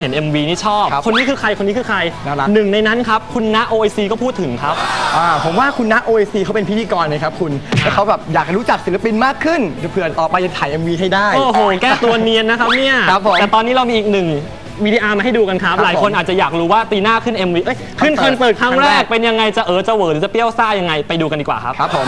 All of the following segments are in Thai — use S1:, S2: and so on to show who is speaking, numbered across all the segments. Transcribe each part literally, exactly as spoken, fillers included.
S1: เห็น เอ็ม วี นี่ชอบคนนี้คือใครคนนี้คือใครหนึ่งในนั้นครับคุณณ โอ ไอ ซี ก็พูดถึงครับ
S2: อ่าผมว่าคุณณ โอ ไอ ซี เขาเป็นพิธีกรเลยครับคุณแล้วเขาแบบอยากรู้จักศิลปินมากขึ้นเผื่อต่อไปจะถ่าย เอ็ม วี ให้ได้
S1: โอ้โหแก้ตัวเนียนนะครับเนี่ยแต่ตอนนี้เรามีอีกหนึ่งวีดีอาร์มาให้ดูกันครับหลายคนอาจจะอยากรู้ว่าตีน่าขึ้น เอ็ม วี ขึ้นคอนเสิร์ตครั้งแรกเป็นยังไงจะเออจะเหวอหรือจะเปรี้ยวซ่ายังไงไปดูกันดีกว่าครับ
S2: ครับผม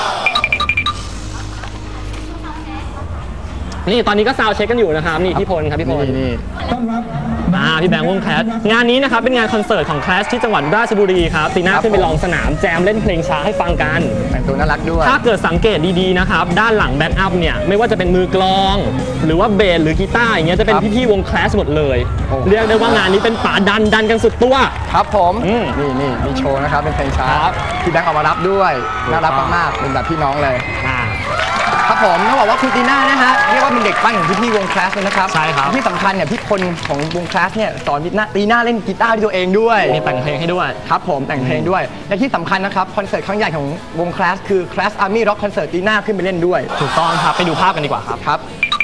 S1: นี่ตอนนี้ก็ซาวเช็คกันอยู่นะครับนี่พี่พลครับพี่พล
S2: นี่
S1: อ่าพี่แบงค์วงแคสงานนี้นะครับเป็นงานคอนเสิร์ตของแคสที่จังหวัดราชบุรีครับตีน่าขึ้นไปลองสนามแจมเล่นเพลงช้าให้ฟังกัน
S2: แต่งตัวน่ารักด้วย
S1: ถ้าเกิดสังเกตดีๆนะครับด้านหลังแบ็คอัพเนี่ยไม่ว่าจะเป็นมือกลองหรือว่าเบสหรือกีตาร์อย่างเงี้ยจะเป็นพี่ๆวงแคสหมดเลยเรียกได้ว่างานนี้เป็นป่าดันดันกันสุดตัว
S2: ครับผมนี่นี่มีโชว์นะครับเป็นเพลงช้าพี่แบงค์ออกมารับด้วยน่ารักมากๆเป็นแบบพี่น้องเลยครับผมต้องบอกว่าคุณตีน่านะฮะเรียกว่าเป็นเด็กปั้นของพี่ๆวงคลาสเลยนะครับ
S1: ใช่ครับ
S2: ที่สำคัญเนี่ยพี่คนของวงคลาสเนี่ยสอนตีน่าตีน่าเล่นกีตาร์ด้วยตัวเองด้วย
S1: มีแต่งเพลงให้ด้วย
S2: ครับผมแต่งเพลงด้วยและที่สำคัญนะครับคอนเสิร์ตครั้งใหญ่ของวงคลาสคือคลาสอาร์มี่ร็อกคอนเสิร์ตตีน่าขึ้นไปเล่นด้วย
S1: ถูกต้องครับไปดูภาพกันดีกว่าครับ
S2: ครับ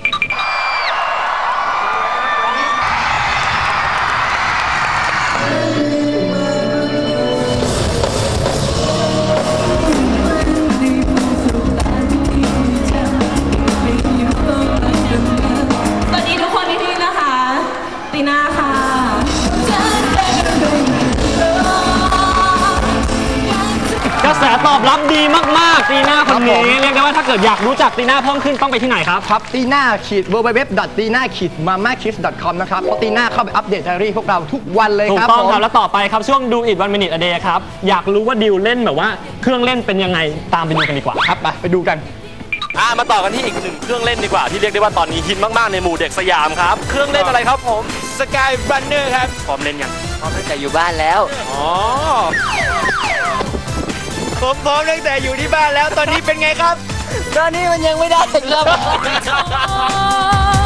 S1: กระแสตอบรับดีมากๆตีน่าคนนี้เรียกได้ว่าถ้าเกิดอยากรู้จักตีน่าเพิ่มขึ้นต้องไปที่ไหนครับ
S2: ครับตีน่าขีด ดับเบิลยู ดับเบิลยู ดับเบิลยู ดอท ตีน่า ขีด มาม่าคิด ดอท คอม นะครับเพราะตีน่าเข้าไปอัปเดตไดอารี่พวกเราทุกวันเลยครับ
S1: ถูกต้องครับแล้วต่อไปครับช่วงดูอิทวันมินิทอเดย์ครับอยากรู้ว่าดิวเล่นแบบว่าเครื่องเล่นเป็นยังไงตามไปดูกันดีกว่า
S2: ครับไปไปดูกัน
S3: อ่ามาต่อกันที่อีกหนึ่งเครื่องเล่นดีกว่าที่เรียกได้ว่าตอนนี้ฮิตมากๆในหมู่เด็กสยามครับเครื่องเล่นอะไรครับผมสกายรันเนอร์ครับพร้อมเล่นยัง
S4: พร้อมตั้งแต่อยู่บ้านแล้ว
S3: อ๋อผมพร้อมตั้งแต่อยู่ที่บ้านแล้วตอนนี้เป็นไงครับ
S4: ตอนนี้มันยังไม่ได้ครับ